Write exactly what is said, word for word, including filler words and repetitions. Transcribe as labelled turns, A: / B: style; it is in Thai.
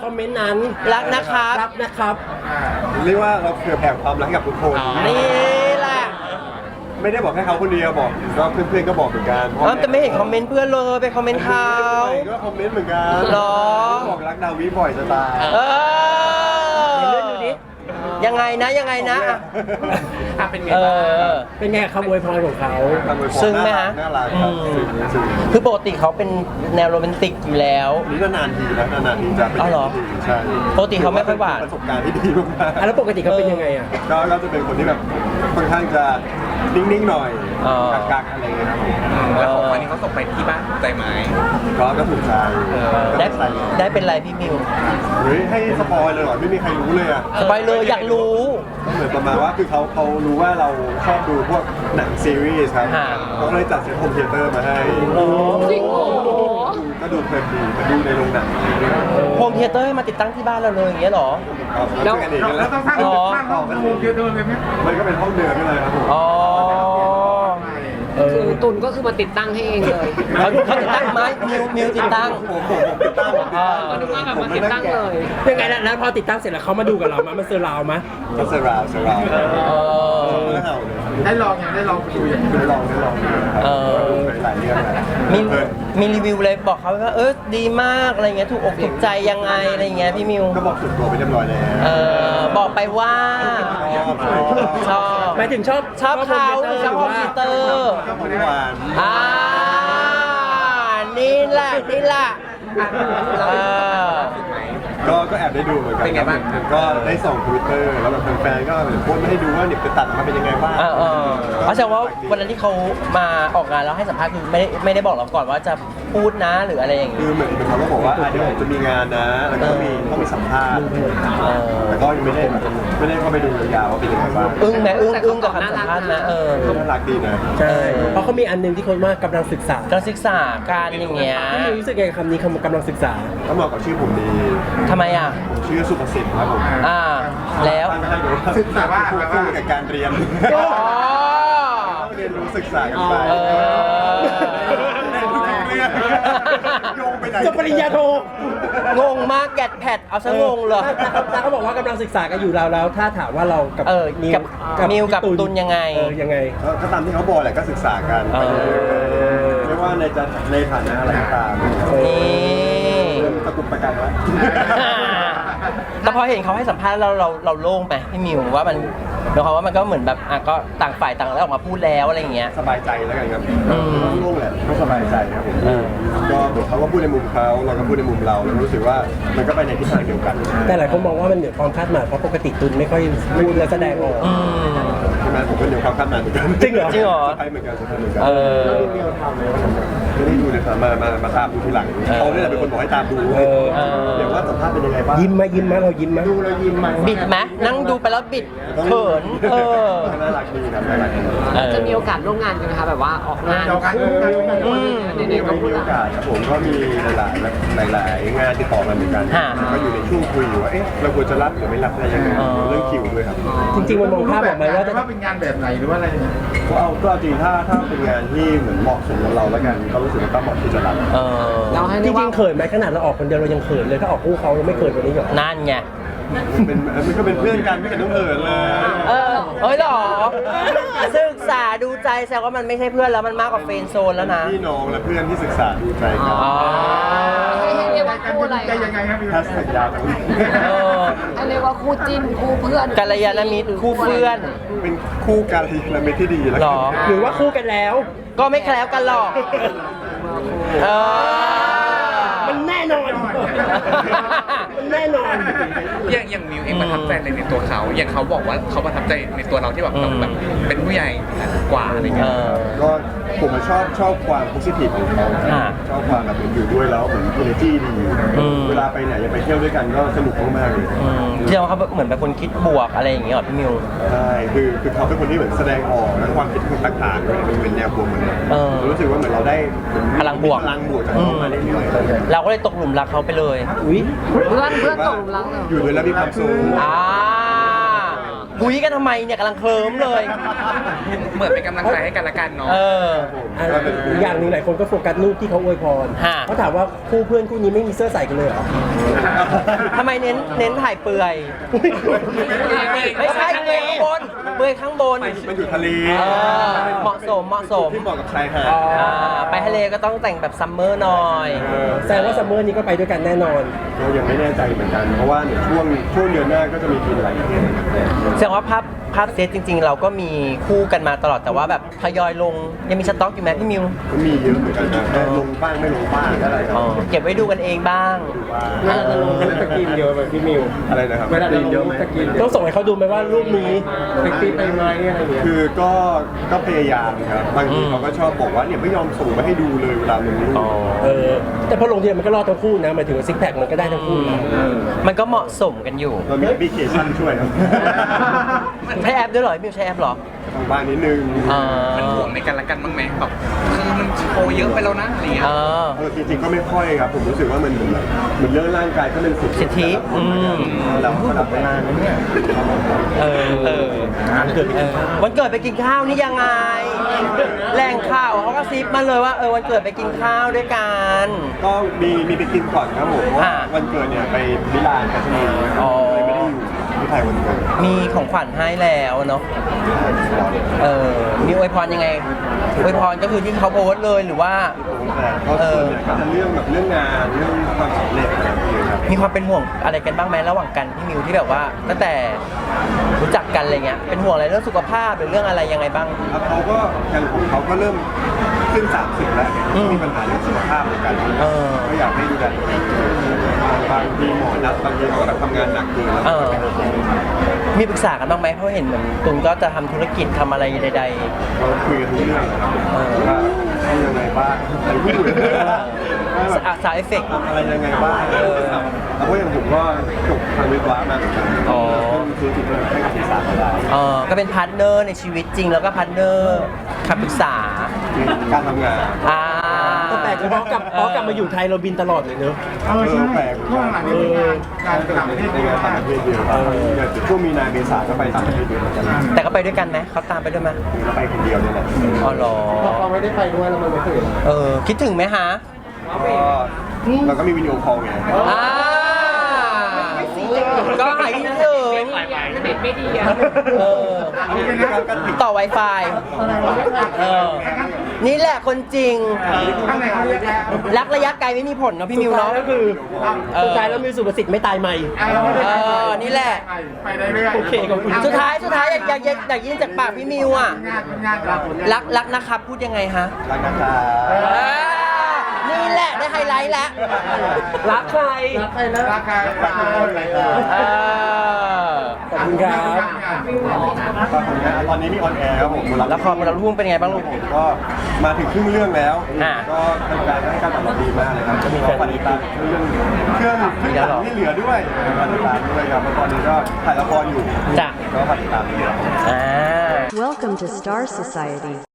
A: อมเมนต์นั้น
B: รักนะครับ
A: รักนะครับ
C: เรียกว่าเราเผื่อแผ่ความรักให้กับทุกคน
B: นี่แหละ
C: ไม่ได้บอกแค่เขาคนเดียวบอกก็เพื่อนๆก็บอกเหมือนกัน
B: เอ้าแต่ไม่เห็นคอมเมนต์เพื่อนเลยไปคอมเมนต์เขา
C: ก็คอมเมนต์เหมือนกัน
B: หรอ
C: บอกรักดาวิบ่อยจะตาย
B: เออ
A: เลื่อนดูดิ
B: ยังไงนะยังไงนะอ่ะ
D: อ่ะเป็นไง
B: เอ
D: บ้าง
B: อ
A: เป็นไงคำอวยพรของเขา
B: ซึ้งไหมฮะ
C: น่ารักครับ
B: อืม
C: ซึ้งซึ้ง
B: คือปกติเขาเป็นแนวโรแมนติกอยู่แล้ว
C: นี่นานๆทีนะนานๆทีจะเป็น
B: อ๋อเหรอ
C: ใช่
B: ปกติเขาไม่ค่อยหวาน
C: ประสบการณ์ที่ดีมาก
A: อ่ะแล้วปกติเขาเป็นยังไงอ่ะ
C: ๆก็ก็จะเป็นคนที่แบบค่อนข้างจะนิ่งๆหน่อย
B: อ๋อ
C: กักๆอะไรอย่างเงี้ยครับผม
D: แล้วของวันนี้เขาส่งไปที่บ้านใจไหม
C: ก็ก็ถูกใจ
B: ได้
C: ก็ใส่เลย
B: ได้เป็นไรพี่มิว
C: เฮ้ยให้สปอยเลยเหรอไม่มีใครรู้เลยอ่ะ
B: สบายเลยอยากรู้
C: ก็เหมือนประมาณว่าคือเขาเขารู้ว่าเราชอบดูพวกหนังซีรีส์ครับ
B: ฮะ
C: เขาก็เลยจัดเซ็ตโฮมเทเตอร์มาให้
E: จริงโอ้โห
C: ก็ดูเพลินดีไปดูในโรงหนัง
B: โฮมเทเตอร์ให้มาติดตั้งที่บ้านเราเลยอย่างเงี้ยเหรอ
C: ครับช่วยกันเองแล้ว
D: ต้องสร้าง
B: อ๋อ
D: สร้างห้องโฮมเทเตอร์เลยไหม
C: มันก็เป็นห้องเดิมนี่เลยครับผม
B: อ๋อ
E: คือตุนก็คือมาติดตั้งให้เองเลย
B: เขาเขาติดตั้งไหมมิวมิวติดตั้ง
C: ผมผมผมติดตั้งผมติดตั้ง
E: ก็นึกว่าแบบมาติดตั้งเลย
A: ยังไงนะแล้วพอติดตั้งเสร็จแล้วเขามาดูกับเรามามันเซอร์ราวมะ
C: ก็เซราวเซราว
B: เออ
C: แล้วเห่าเลย
D: ได้ลองยังได้ลองไปดูอย่าง
C: ได้ลองได้ลอง
B: เออ
C: หลายเรื่องนะ
B: มี
C: เพลิน
B: มีรีวิวเลยบอกเขาว่าเออดีมากอะไรเงี้ยถูกอกถูกใจยังไงอะไรเงี้ยพี่มิว
C: ก็บอกสุดตัวไปเรียบร้อยแล้ว
B: เออบอกไปว่า
C: ชอบชอบ
B: ชอบ
A: หมายถึงชอบ
B: ชอบเขาชอบโฮมเทเตอร์
C: ชอบหวาน
B: อ่านี่แหละนี่แหละเออ
C: ก็ก็แอบได้ดูเหมือนกัน
D: เป็นไงบ้าง
C: ก็ได้ส่งทวิตเตอร์แล้วแบบแฟนๆก็โพสต์มาให้ดูว่าเนี่ยไปตัดมาเป็นยังไงบ้าง
B: เออเออเพราะแสดงว่าวันนั้นที่เขามาออกงานแล้วให้สัมภาษณ์คือไม่ได้ไม่ได้บอกเราก่อนว่าจะพูดนะหรืออะไรอย่าง
C: คื
B: งี้
C: อเหมือนเขาก็บอกว่าอ่ะเดี๋ยวจะมีงานนะ แล้วก็มีต้องมีสัมภาษณ์
B: เออ
C: แต่ก็ยังไม่ได้แบบไม่ได้เข้าไปดูยาวๆว่าเป็นยังไงบ้าง
B: อึ้งไหมอึ้งอึ้งกับคำสัมภาษณ์ไหมเออ
C: น่ารักดีนะ
A: ใช่เพราะเขามีอันหนึงที่คนว่ากำลังศึกษา
B: การศึกษาการอย่างเงี้ย
A: พี่มิวรู้สึกไงกับคำนี้คำว่ากำลังศึกษา
C: ก็เหมาะกับชื่อผมดี
B: ทำไมอ่ะ
C: ผมชื่อสุภสิทธิ์ครับผม
B: อ่าแล้ว
C: ตั้งให้ดูว่า
D: ศึกษาว่า
C: คู่คู่กับการเรียน
B: อ๋อ
C: ต้องเรียนรู้ศึกษากันไป
B: เออ
C: เรียนรู้ทุกเรื่องโยงไปไหน
A: จบปริญญาโท
B: งงมากแกดแพดเอาซะงงเลย
A: ถ้าเขาบอกว่ากำลังศึกษากันอยู่เราแล้ว ถ้าถามว่าเรากับ
B: เออ
A: มิว
B: กับมิวกับ
A: พี่
B: ตุลยังไง
A: เออยังไง
C: ก็ตามที่เขาบอกแหละก็ศึกษากัน
B: เออ
C: ไม่ว่าในจะในฐานะอะไรก็ตาม
B: นี่
C: เริ่มตะกุกตะกันแล้ว
B: แต่พอเห็นเขาให้สัมภาษณ์เราเราเราโล่งไหมพี่มิวว่ามันหมายความว่ามันก็เหมือนแบบอ่ะก็ต่างฝ่ายต่างแล้วออกมาพูดแล้วอะไรอย่างเงี้ย
C: สบายใจแล้วกันครับ
B: อืม
C: โล่งแหละก็สบายใจครับผม
B: เออ
C: ก็เหมือนเขาก็พูดในมุมเขาเราก็พูดในมุมเราแล้วรู้สึกว่ามันก็ไปในทิศทางเดียวกัน
A: แต่หลายคนมองว่ามันเหนือความคาดหมายเพราะปกติตุลไม่ค่อยพูดและแสดงออก
B: อืม
C: ใช่ไหมผมก็เดี๋ยวความคาดหมายเหมือนกัน
A: จริงเหรอ
B: จริงเหรอ
C: ใช่เหมือนกันใช่เหมือนกัน
B: เออ
C: ไม่ได้ดูเลยครับมามามาตามดูทีหลัง
B: เออ
C: เขาเนี่ยแหละเป็นคนบอกให้ตามดู
A: เออ
B: เออ
C: เดี๋ยวว่าสัมภาษณ์เป็นยังไงบ้าง
A: ยิ้มไหมยิ้มไหมเรายิ้มไหม
C: ดูแล้วยิ้มไหม
B: บิดไหมนั่งดูไปแล้วบิดเขินเออ
C: น่ารักดีครับน่ารักดี
B: เออ
E: จะมีโอกาสร่วมงานกันไหมคะแบบว่าออกงาน
D: เราการ
E: คู่
B: อืม
E: ไหนๆก็พู
C: มี
E: ด
C: โอ
E: ละ
C: กาสครับผมก็มีหลายๆหลายๆงานติดต่อมาเหมือนกัน
B: ฮะ
C: ก็อยู่ในช่วงคุยอยู่ว่าเอ๊ะเราควรจะรับหรือไม่รับอะไรยังไง
B: อ๋อ
C: เรื่องคิวด้วยครับ
A: จริงๆมันมองภาพออกไหมว่าจะ
D: ว่าเป็นงานแบบไหนหรือว่าอะไรเนี่ย
C: ก็เอาก็จริงถ้าถ้าเป็นงานที่เหมือนเหมาะสมกับเราแล้วกันก็รู้สึกว่าก็เหมาะที่จะรับ
B: เออ
E: เราให้
A: จ
E: เรียก
A: ริ
E: ว่าง
A: ๆเขินไหมขนาดเราออกคนเดียวเรายังเขินเลยถ้าออกคู่เขาเราไม่เขินกว่านี้หรอ
B: นั่นไง
C: มันเป็นมันก็เป็นเพื่อนกันไม่เห็นต้องเอินเลย
B: เออเฮ้ยเหรอ ศึกษาดูใจแสดงว่ามันไม่ใช่เพื่อนแล้วมันมากกว่าเฟรนด์โซนแล้วนะ
C: พี่น้องและเพื่อนที่ศึกษาดูใจกัน
B: อ๋อ
E: ให้เรียกว่าคู่อะไร
D: ใจยังไงครับพี่
C: แฮชแท็กยาวจัง
B: เออ
E: ให้เรียกว่าคู่จิ้นคู่เพื่อน
B: กัลยาณมิตรคู่เพื่อน
C: เป็นคู่การยาณมิตรที่ดีแล้ว
B: หร
C: กัน
B: อ
A: หรือว่าคู่กันแล้ว
B: ก็ไม่แคล้วกันหรอก เออ
A: มันแน่นอน มันแน่นอน
F: อย่างอย่างมิวเองประทับใจอะไรในตัวเขา อย่างเขาบอกว่าเขาประทับใจในตัวเราที่แบบเราแบบเป็นผู้ใหญ่กว่าอะไร
B: เอ
F: เงี้ย
B: อ
C: ก็ผมชอบชอบความโพสิทีฟของเขา
B: อ่า
C: ชอบความแบบเหมือนอยู่ด้วยแล้วเหมือน energy ดี
B: อืม
C: เวลาไปไหนจะไปเที่ยวด้วยกันก็สนุกมากๆเลย
B: อืมที่เราเขาเหมือนเป็นคนคิดบวกอะไรอย่างเงี้ยเหรอพี่มิว
C: ใช่คือคือเขาเป็นคนที่เหมือนแสดงออกและความคิดคนต่างๆด้วยมันเป็นแนวบวกเหมือนกัน
B: เออ
C: รู้สึกว่าเหมือนเราได้เหมือน
B: พลังบวก
C: พลังบวกจากเขามาเรื่อยๆ
B: เราก็เลยตกหลุมรักเขาไปเลย
A: อุ้ย
E: เพื่อนเพื่อนตกหลุมรักเหรอ
C: อยู่ด้วยแล้วมีความสุข
B: อ่าคุยกันทำไมเนี่ยกำลังเคลิ้มเลย
F: เหมือนเป็นกำลังใจให้กันละกันเนาะ
B: เออ
A: อ่ะอีกอย่างหนึ่งหลายคนก็โฟกัสรูปที่เขาอวยพร
B: ฮะ
A: เขาถามว่าคู่เพื่อนคู่นี้ไม่มีเสื้อใส่กันเลยเหรอ
B: ทำไมเน้นเน้นถ่ายเปลือย ไม่ใช่เปลือยข้างบนเปลือยข้างบน
C: มันอยู่ทะเล
B: เออเหมาะสมเหมาะสม
C: ที่เหมาะกับชายหาด
B: อ่าไปทะเลก็ต้องแต่งแบบซัมเมอร์หน่อย
A: แสดงว่าซัมเมอร์นี้ก็ไปด้วยกันแน่นอน
C: เรายังไม่แน่ใจเหมือนกัน เพราะว่าเดี๋ยวช่วงช่วงเดือนหน้าก็จะมีกินอะไรอย่างเงี้ย
B: แสดงว่าภาพภาพเซตจริง ๆ เราก็มีคู่กันมาตลอดแต่ว่าแบบทยอยลงยังมีสต็อกอยู่ไหมพี่มิว
C: ก็มีเยอะเหมือนกันนะแต่ลงบ้างไม่ลงบ้างอะไรครับ
B: อ๋อเก็บไว้ดูกันเองบ้าง
A: เวลาจะลงสกินเยอะไปพี่มิว
C: อะไรนะครับ
A: เวลาจะลงสกินต้องส่งให้เขาดูไหมว่ารูปนี้เซ็กซี่ไปไหมอะไรอย่างเงี้ย
C: คือก็ก็พยายามครับบางทีเขาก็ชอบบอกว่าเนี่ยไม่ยอมส่งมาให้ดูเลยเวลาลงรูป
A: เออแต่พอลงทีมันก็รอดทั้งคู่นะหมายถึงว่าซิกแพคมันก็ได้ทั้งคู่นะ
B: มันก็เหมาะสมกันอยู่
C: เรามีแอปพลิเคชันช่วยครับ
B: ใช้แอปด้วยเหรอพี่มิวใช้แอปเหรอ
C: ทางบ้านนิดนึง
B: อ่า
F: มันห่วงในกันละกันบ้างไหมแบบคือมันโชว์เยอะไปแล้วนะอะไรเงี้ย
B: เออ
C: เออจริงๆก็ไม่ค่อยครับ ผมรู้สึกว่ามันเหมือนแบบเหมือนเรื่องร่างกายก็เป็นสิท
B: สิทธิอืม
C: เราก็รับไม่ได้นะเนี่ย
B: เออเออ
A: เกิดไปกินข้าว
B: วันเกิดไปกินข้าวนี่ยังไงแหล่งข่าวเขาก็ซิปมาเลยว่าเออวันเกิดไปกินข้าวด้วยกัน
C: ก็มีมีไปกินก่อนครับผมเพราะว่า
B: อ่า
C: วันเกิดเนี่ยไปมิลานกับที่นี่
B: อ๋อ
C: เลยไม่ได้อยู่ที่ไทยวันเกิด
B: มีของขวัญให้แล้วเนาะ เออ มีอวยพรยังไง อวยพรก็คือที่เขาโพสต์เลยหรือว่า
C: แต่ก็ส่วนใหญ่ก็จะเรื่องแบบเรื่องงานเรื่องความสำเร็จอะไรอย่างเงี้ยครับ
B: มีความเป็นห่วงอะไรกันบ้างไหมระหว่างกันพี่มิวที่แบบว่าตั้งแต่รู้จักกันอะไรเงี้ย เป็นห่วงอะไรเรื่องสุขภาพหรือเรื่องอะไรยังไงบ้าง
C: แล้วเขาก็อย่างของเขาก็เริ่มขึ้นสามสิบแล้ว
B: อืม
C: มีปัญหาเรื่องสุขภาพเหมือนกัน
B: เออ
C: ก็อยากให้ดูแลตัวเองบางทีหมอนัดบางทีเขาก็แบบทำงานหนักเกินแล้ว
B: เออ มีปรึกษากันบ้างไหมเพราะเห็นเหมือนตุนก็จะทำธุรกิจทำอะไรใด
C: เราคุยกันทุกเรื่องนะครับ
B: เออ
C: ว่าทำยังไงบ้างอะไรพูดว่าแบบ
B: ๆสาวเอฟเฟกต์
C: ทำอะไรยังไงบ้าง
B: เออ
C: แล้วก็อย่างผมก็จบทางวิศวะมาเหมือนกัน
B: อ๋อ
C: ซื้อจิตวิทยาให้กับศึกษามาได้
B: เออก็เป็นพาร์ทเนอร์ในชีวิตจริงแล้วก็พาร์ทเนอร์คำปรึกษา
C: การทำงาน
B: อ่า
A: ก็แปลกเลยเพราะกลับเพราะกลับมาอยู่ไทยเราบินตลอดเลยเนอะ
D: เออใช่
C: แปลก
D: ช่วงหลังนี้มีงานการต่างประเทศ
C: ใน
D: เย
C: งาน
D: อะ
C: ต่าง
D: มาก
C: ประเทศเยอะครับอย่างช่วงมีนาเมษาก็ไปต่างประเทศเยอะเหมือนกัน
B: แต่ก็ไปด้วยกันไหมเขาตามไปด้วยไหม
C: ก็ไปคนเดียวเนี่ยแหละ
B: อ๋อเหรอ
A: เราไม่ได้ไปด้วยแล้วมันไม่ถึง
B: เออ คิดถึงไหมฮะ
C: ก็เราก็มีวิดีโอคอลไง
B: อ่าก็หายคิดถึง
E: เน็ตไม่ดีอะ
B: เออ ต่อ Wi-Fi เออ นี่แหละคนจริง
D: ข้างในเขาเรียกแล้ว
B: รักระยะไกลไม่มีผลเนาะพี่มิวเนาะ
A: ก็คือ
B: เออ
A: สุดท้ายแล้วมิวสุประสิทธิ์ไม่ตายใหม่
B: เออ นี่แหละ
D: ไปได้เรื่อย
A: โอเคขอบคุณ
B: สุดท้ายสุดท้ายอยากอยากอยากอยากยินจากปากพี่มิวอ่ะ
D: งานงานเรา
B: รักรักนะครับ พูดยังไงฮะ
C: รักนะครับ
B: อ่านี่แหละได้ไฮไลท์แล้ว
A: รักใคร
D: ราคาราคาอะไร
B: เออ
A: ขอบคุณครับ
C: ก็ผลงานตอนนี้มีออนแอร์ครับผม
B: ละครบนเราทุ่งเป็นไงบ้างลูก
C: ผมก็มาถึงครึ่งเรื่องแล้ว
B: อ่า
C: ก็ทำการให้การตอบรับดีมากเลยครับจะมีการติดตามเรื่องเครื่องเครื่องหลังที่เหลือด้วยมาติดตามด้วยครับเพราะตอนนี้ก็ถ่ายละครอยู่
B: จ้ะ
C: ก็ฝากติดตามด้วย
B: อ่า
G: Welcome to Star Society.